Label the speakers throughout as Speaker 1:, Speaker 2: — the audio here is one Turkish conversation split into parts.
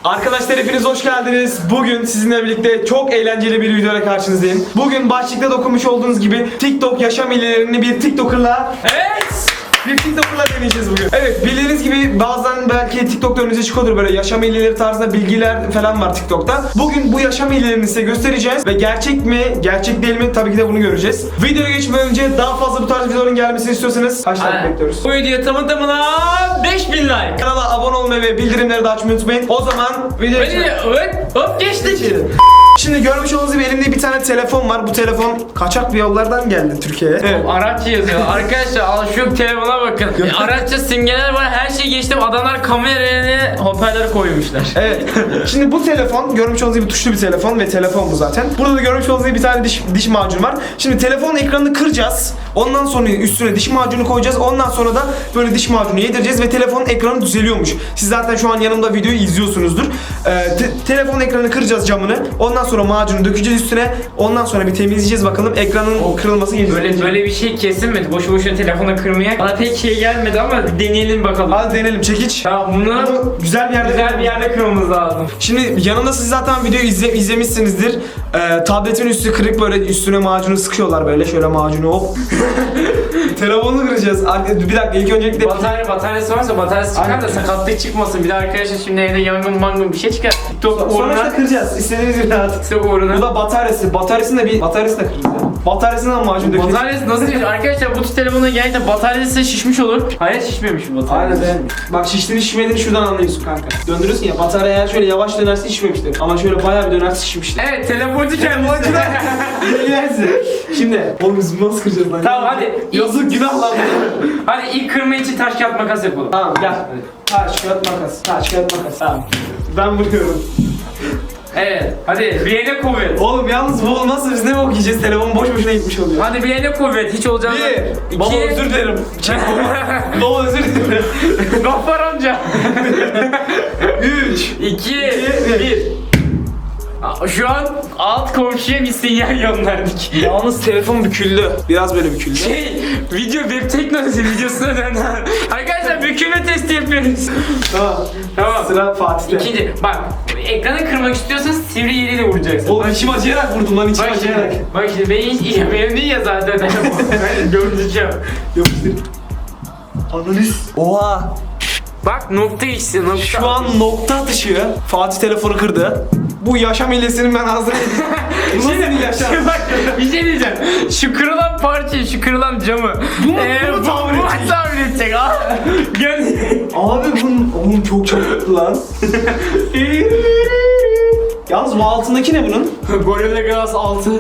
Speaker 1: Arkadaşlar hepiniz hoş geldiniz. Bugün sizinle birlikte çok eğlenceli bir videoyla karşınızdayım. Bugün başlıkta da okumuş olduğunuz gibi TikTok yaşam hilelerini bir TikToker'la bir TikToker'la deneyeceğiz bugün. Evet, bildiğiniz gibi bazen belki TikTok'ta önünüze çıkıyordur böyle yaşam hileleri tarzında bilgiler falan var TikTok'ta. Bugün bu yaşam hilelerini size göstereceğiz ve gerçek mi, gerçek değil mi tabii ki de bunu göreceğiz. Videoya geçmeden önce daha fazla bu tarz videoların gelmesini istiyorsanız kaç like bekliyoruz?
Speaker 2: Bu video tamına 5000 like.
Speaker 1: Kanala abone olmayı ve bildirimleri de açmayı unutmayın. O zaman videoya geçelim.
Speaker 2: Hop geçtik.
Speaker 1: Şimdi görmüş olduğunuz gibi elimde bir tane telefon var. Bu telefon kaçak bir yollardan geldi Türkiye'ye. Evet.
Speaker 2: Arapça yazıyor. Arkadaşlar al şu telefona bakın. Arapça simgeler var. Her şeyi geçtim. Adamlar kameraya hoparlör koymuşlar.
Speaker 1: Evet. Şimdi bu telefon görmüş olduğunuz gibi tuşlu bir telefon ve telefon bu zaten. Burada da görmüş olduğunuz gibi bir tane diş macunu var. Şimdi telefonun ekranını kıracağız. Ondan sonra üstüne diş macunu koyacağız. Ondan sonra da böyle diş macunu yedireceğiz ve telefonun ekranı düzeliyormuş. Siz zaten şu an yanımda videoyu izliyorsunuzdur. Telefon ekranını kıracağız, camını. Ondan sonra macunu dökeceğiz üstüne. Ondan sonra bir temizleyeceğiz bakalım ekranın kırılması gelecek.
Speaker 2: Böyle bir şey kesilmedi. Boşu boşuna telefona kırmaya. Bana pek şey gelmedi ama bir deneyelim bakalım.
Speaker 1: Hadi deneyelim, çekiç.
Speaker 2: Tamam, bunu
Speaker 1: güzel bir yerde
Speaker 2: kırmamız lazım.
Speaker 1: Şimdi yanında siz zaten videoyu izlemişsinizdir. Tabletin üstü kırık, böyle üstüne macunu sıkıyorlar böyle, şöyle macunu hop. Telefonu kıracağız. Bir dakika, ilk öncelikle
Speaker 2: Bataryası varsa bataryası çıkar da sakatlık çıkmasın. Bir de arkadaşlar şimdi evde yangın bir şey çıkar. TikTok
Speaker 1: sonra
Speaker 2: uğruna.
Speaker 1: kıracağız. İstediğiniz bir rahat.
Speaker 2: TikTok uğruna.
Speaker 1: Bu da bataryası. Bataryasını da kıracağız. Bataryasından macun dökeceğiz.
Speaker 2: Bataryası nasıl şişmiş? Arkadaşlar bu telefona gerçekten bataryası şişmiş olur. Hayır, şişmemiş bu batarya.
Speaker 1: Aynen. Bak, şiştiğini şişmediğini şuradan anlıyorsun kanka. Döndürüyorsun ya, batarya eğer şöyle yavaş dönerse şişmemiştir. Ama şöyle bayağı bir dönerse şişmiştir.
Speaker 2: Evet, telefoncu kendisi.
Speaker 1: Bilgilersin. Şimdi oğlum biz nasıl kıracağız lan?
Speaker 2: Tamam hadi.
Speaker 1: Yazık, günah lan.
Speaker 2: Hadi ilk kırma için taş kağıt makas yapalım.
Speaker 1: Tamam gel. Taş kağıt makas. Taş kağıt makas. Tamam. Ben vuruyorum.
Speaker 2: Evet. Hadi bileğine kuvvet.
Speaker 1: Oğlum yalnız bu olmazsa biz ne okuyacağız? Telefon boş boşuna gitmiş oluyor.
Speaker 2: Hadi bileğine kuvvet. Hiç olacağını.
Speaker 1: Bir. Baba özür dilerim. Baba özür dilerim.
Speaker 2: Gaffar amca.
Speaker 1: 3
Speaker 2: 2 1. Şu an alt komşuya bir sinyal gönderdik.
Speaker 1: Yalnız telefon büküldü. Biraz böyle büküldü.
Speaker 2: Video web teknolojisi videosuna döndü. Arkadaşlar bükülme testi yapıyoruz.
Speaker 1: Tamam. Sıra Fatih'te.
Speaker 2: İkinci. Bak, ekranı kırmak istiyorsan sivri yeriyle vuracaksın.
Speaker 1: Oğlum içim acıyarak vurdum lan, içim acıyarak.
Speaker 2: Bak şimdi benim hiç benim değil ya zaten. Ben göreceğim.
Speaker 1: Yapıştır. Analiz. Oha.
Speaker 2: Bak nokta işte, nokta.
Speaker 1: Şu an nokta atışı. Fatih telefonu kırdı. Bu yaşam hilesinin ben hazır edeyim. Bu nasıl bir yaşam?
Speaker 2: Bak bir şey diyeceğim. Şu kırılan parçayı, şu kırılan camı. Bunu tamir edecek. Gel.
Speaker 1: Abi bunun çok çabuk lan. Yalnız bu altındaki ne bunun?
Speaker 2: Gorilla Glass 6.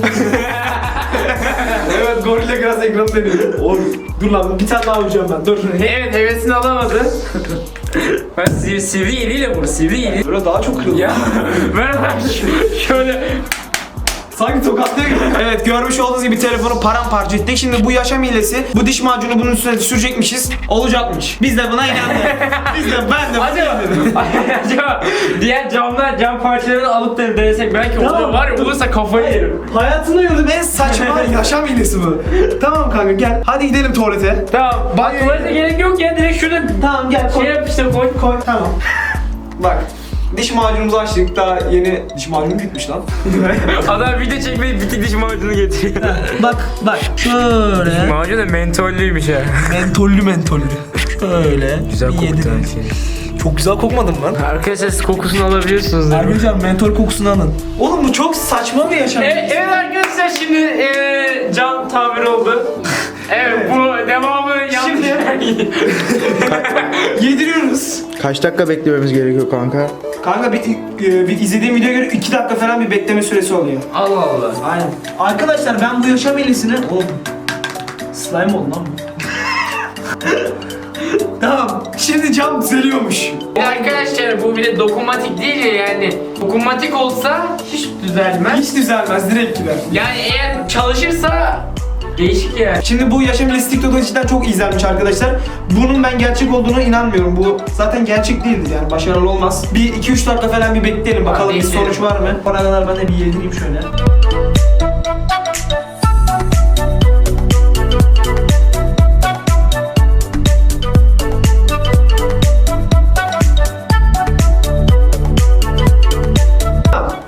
Speaker 1: Evet, Gorilla Glass ekranı deniyor. Oğlum dur lan, bir tane daha vuracağım ben. Dur.
Speaker 2: Evet, hevesini alamadı. Ben sivri eliyle vur, sivri eli.
Speaker 1: Böyle daha çok kırıldı.
Speaker 2: Ya ver şöyle.
Speaker 1: Sanki tokatlıyor gibi. Evet, görmüş olduğunuz gibi telefonu paramparça ettik. Şimdi bu yaşam hilesi, bu diş macunu bunun üstüne sürecekmişiz. Olacakmış. Biz de buna inandık. Ben de
Speaker 2: Acaba diğer cam parçalarını alıp da denesek belki olur, var ya, olursa kafayı yerim.
Speaker 1: Hayatımda gördüğüm en saçma yaşam hilesi bu. Tamam kanka gel. Hadi gidelim tuvalete.
Speaker 2: Tamam. Bak tuvalete gerek yok ya, direkt şurada
Speaker 1: Tamam gel koy.
Speaker 2: şey yap işte, koy.
Speaker 1: Tamam. Bak. Diş macunumuzu açtık. Daha yeni diş macunu bitmiş lan.
Speaker 2: Adam video çekmeyi bitik diş macunu getiriyor.
Speaker 1: Bak şöyle.
Speaker 2: Macun da mentollüymüş ha.
Speaker 1: Mentollü. Şöyle.
Speaker 2: Güzel koktu şey.
Speaker 1: Çok güzel kokmadım lan.
Speaker 2: Arkadaşlar siz kokusunu alabiliyorsunuz değil mi?
Speaker 1: Hocam mentol kokusunu alın. Oğlum bu çok saçma bir yaşam.
Speaker 2: Evet arkadaşlar, şimdi cam tamir oldu. Evet, bu devamı yanlış.
Speaker 1: Yediriyoruz.
Speaker 3: Kaç dakika beklememiz gerekiyor kanka?
Speaker 1: Kanka bir izlediğim videoya göre 2 dakika falan bir bekleme süresi oluyor.
Speaker 2: Allah Allah.
Speaker 1: Aynen. Arkadaşlar ben bu yaşam hilesini... Oğlum. Slime oldu lan bu. Tamam. Şimdi cam düzeliyormuş.
Speaker 2: Arkadaşlar bu bir de dokunmatik değil ya, yani dokunmatik olsa hiç düzelmez.
Speaker 1: Hiç düzelmez, direkt gider.
Speaker 2: Yani eğer çalışırsa değişik ya.
Speaker 1: Şimdi bu yaşam hilesi TikTok'ta cidden çok izlenmiş arkadaşlar. Bunun ben gerçek olduğunu inanmıyorum. Bu zaten gerçek değildir yani, başarılı olmaz. Bir 2-3 dakika falan bir bekleyelim bakalım bir sonuç var mı? Ona kadar ben de bir yedireyim şöyle.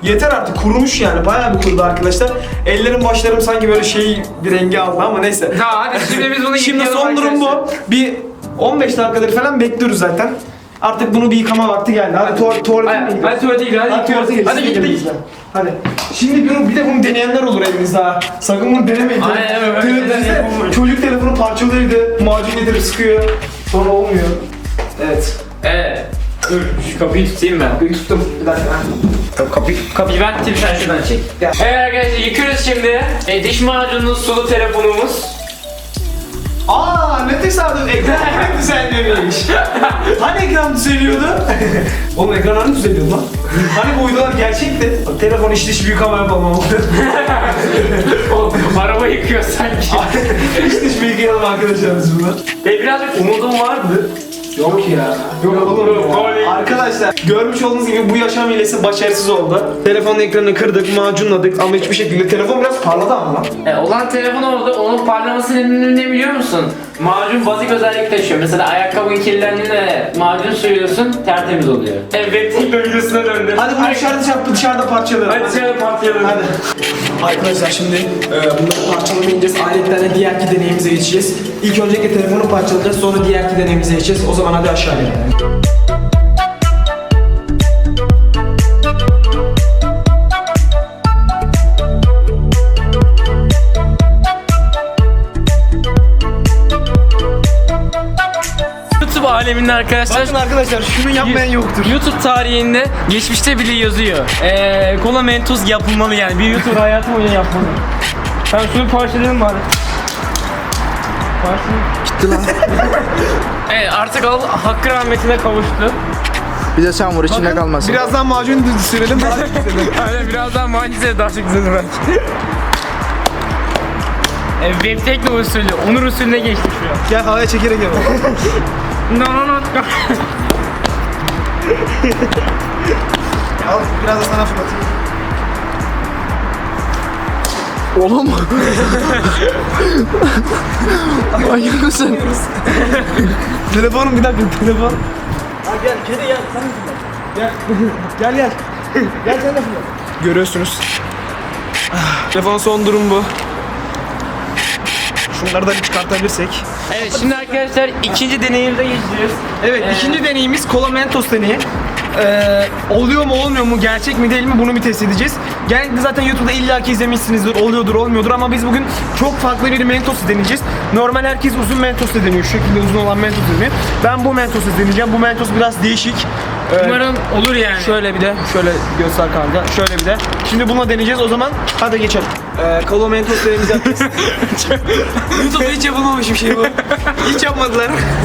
Speaker 1: yeter artık, kurumuş yani, bayağı bir kurudu arkadaşlar. Ellerim başlarım sanki böyle şey bir rengi aldı ama neyse.
Speaker 2: Ya hadi şimdi biz bunu
Speaker 1: Şimdi
Speaker 2: yıkayalım
Speaker 1: son durum
Speaker 2: arkadaşlar.
Speaker 1: bu. Bir 15 dakikadır falan bekliyoruz zaten. Artık bunu bir yıkama vakti geldi. Hadi tuvalete mi gidiyoruz?
Speaker 2: Hadi tuvalete gidelim.
Speaker 1: Hadi tuvalete gidelim.
Speaker 2: Hadi gittik.
Speaker 1: Hadi. Şimdi bir de bunu deneyenler olur elinizde ha. Sakın bunu denemeyin.
Speaker 2: Aynen, evet,
Speaker 1: Düşünsene,
Speaker 2: evet.
Speaker 1: çocuk telefonu parçalıyor evde, macun getirip sıkıyor. Sonra olmuyor. Evet.
Speaker 2: Evet. Dur şu kapıyı tutayım ben.
Speaker 1: Bir tuttum. Bir dakika.
Speaker 2: Kapıyı ben tutayım, sen şuradan çek.
Speaker 1: Gel.
Speaker 2: Evet arkadaşlar yıkıyoruz şimdi. Diş macunumuz, sulu telefonumuz.
Speaker 1: Aa, ne tesadüf, ekran düzenlemiş. Hani ekran düzeliyordu? Oğlum ekran hani düzeliyordu lan? Hani bu uydular gerçekti? Telefon iç dış büyük hava yapamam.
Speaker 2: Araba yıkıyor sanki.
Speaker 1: İç dış büyük yalım arkadaşlar biz bunlar.
Speaker 2: Birazcık umudum vardı.
Speaker 1: Yok ya. Yok oğlum. Arkadaşlar görmüş olduğunuz gibi bu yaşam hilesi başarısız oldu. Telefonun ekranını kırdık, macunladık ama hiçbir şekilde telefon biraz parladı ama lan.
Speaker 2: Olan telefon oldu. Onun parlamasının ne biliyor musun? Macun bazik özellik taşıyor. Mesela ayakkabın kirlendiğinde macun sürüyorsun, tertemiz oluyor. Evet, teknolojisine döndü.
Speaker 1: Hadi bunu dışarıda parçalayalım.
Speaker 2: Hadi dışarıda parçalayalım.
Speaker 1: Hadi. Arkadaşlar şimdi bunları parçalamayı ineceğiz. Aletlerle diğerki deneyimize geçeceğiz. İlk öncelikle telefonu parçalayacağız, sonra diğerki deneyimize geçeceğiz. O zaman hadi aşağıya.
Speaker 2: YouTube aleminde arkadaşlar.
Speaker 1: Bakın arkadaşlar şunu yapmayan yoktur.
Speaker 2: YouTube tarihinde geçmişte bile yazıyor. Kola Mentos yapılmalı yani. Bir YouTube hayatı boyunca yapmalı. Ben şunu parçalayalım bari.
Speaker 3: Gitti lan.
Speaker 2: Evet artık hakkı rahmetine kavuştu.
Speaker 3: Bir de sen vur içinde kalmasın.
Speaker 1: Birazdan macun sürelim.
Speaker 2: Aynen birazdan mucize daha çok güzel belki. Web tekno usulü, Onur usulüne geçtik şu an.
Speaker 1: Gel havaya çekerek yapalım.
Speaker 2: No.
Speaker 1: Al biraz da sana fırlatayım.
Speaker 3: Oğlum. Manyak mısın?
Speaker 1: Telefonum bir dakika, telefon. Ha gel, kedi gel, sen de fırlat. Gel. Gel sen de fırlat. Görüyorsunuz. Telefonun son durum bu. Şunları da bir çıkartabilirsek.
Speaker 2: Evet şimdi arkadaşlar ikinci deneyimde geçeceğiz.
Speaker 1: Evet, ikinci deneyimiz Kola Mentos deneyi. Oluyor mu olmuyor mu, gerçek mi değil mi, bunu bir test edeceğiz. Genellikle zaten YouTube'da illaki izlemişsinizdir, oluyordur olmuyordur ama biz bugün çok farklı bir Mentos'u deneyeceğiz. Normal herkes uzun Mentos'u deniyor, şu şekilde uzun olan Mentos deniyor. Ben bu Mentos'u deneyeceğim, bu Mentos biraz değişik.
Speaker 2: Umarım olur yani.
Speaker 1: Şöyle bir de, şöyle göster kanka, şöyle bir de. Şimdi bununla deneyeceğiz, o zaman hadi geçelim. Kola Mentos deneyimizi yapacağız. YouTube'da hiç yapılmamış bir şey bu. Hiç yapmadılar.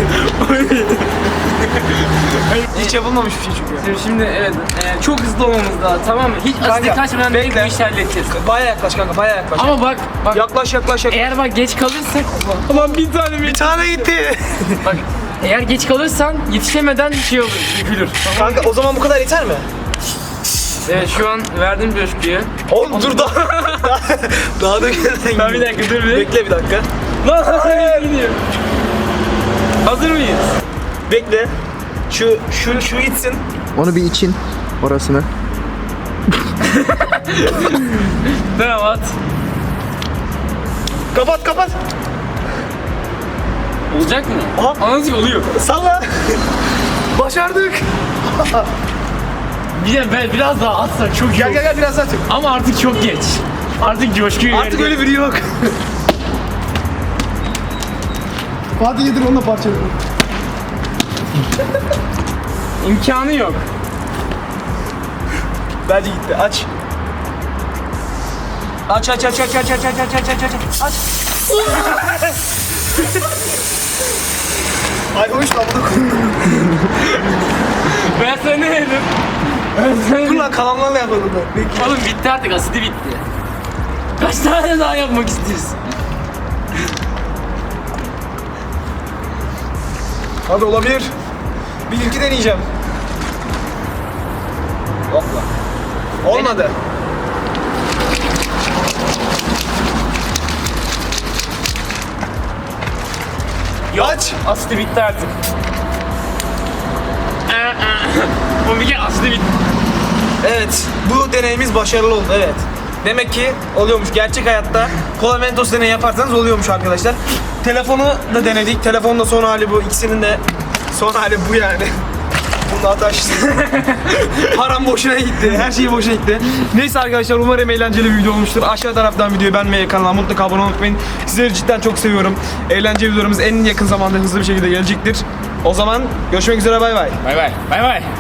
Speaker 1: Hiç yapılmamış bir şey çünkü.
Speaker 2: Şimdi evet çok hızlı olmamız lazım, tamam mı? Hiç asidi
Speaker 1: Kanka,
Speaker 2: kaçmadan direkt bu
Speaker 1: bekle.
Speaker 2: işi halledeceğiz.
Speaker 1: Bayağı yaklaş kanka, bayağı yaklaş.
Speaker 2: Ama bak
Speaker 1: Yaklaş.
Speaker 2: eğer bak geç kalırsak ulan bir tane
Speaker 1: Bir tane gitti.
Speaker 2: bak eğer geç kalırsan yetişemeden şey olur, yıkılır.
Speaker 1: Kanka o zaman bu kadar yeter mi?
Speaker 2: Evet şu an verdim coşkuyu.
Speaker 1: Oğlum dur daha da
Speaker 2: Ben bir dakika dur bir.
Speaker 1: Bekle bir dakika.
Speaker 2: Lan gidiyor. Hazır mıyız?
Speaker 1: Bekle. Şu gitsin.
Speaker 3: Onu bir için orasını.
Speaker 2: Tamam at.
Speaker 1: Kapat.
Speaker 2: Olacak mı?
Speaker 1: Aha.
Speaker 2: Anasıl oluyor.
Speaker 1: Salla. Başardık.
Speaker 2: Bir de ben biraz daha atsak çok iyi olur.
Speaker 1: Gel biraz daha tut.
Speaker 2: Ama artık çok geç. Artık coşkuyu
Speaker 1: Artık öyle biri yok. Hadi yedir onunla parçalayalım.
Speaker 2: imkanı yok.
Speaker 1: Bence gitti. Aç. Aç. Ay hoş lan bunu.
Speaker 2: Ben sana ne dedim?
Speaker 1: Dur lan kalanlarla yapalım da. Bekle.
Speaker 2: Oğlum bitti artık, asidi bitti. Kaç tane daha yapmak istiyorsun?
Speaker 1: Hadi olabilir. Bir ilki deneyeceğim. Hopla. Olmadı. Aç.
Speaker 2: Asidi bitti artık. Bu bir kere asidi bitti.
Speaker 1: Evet, bu deneyimiz başarılı oldu, evet. Demek ki oluyormuş gerçek hayatta. Kola Mentos deneyi yaparsanız oluyormuş arkadaşlar. Telefonu da denedik. Telefonun da son hali bu. İkisinin de son hali bu yani. Bunu ataştı. Param boşuna gitti. Her şey boşuna gitti. Neyse arkadaşlar, umarım eğlenceli bir video olmuştur. Aşağı taraftan videoyu beğenmeyi, kanala mutlaka abone olmayı unutmayın. Sizleri cidden çok seviyorum. Eğlenceli videolarımız en yakın zamanda hızlı bir şekilde gelecektir. O zaman görüşmek üzere, bay bay.
Speaker 2: Bay bay. Bay bay.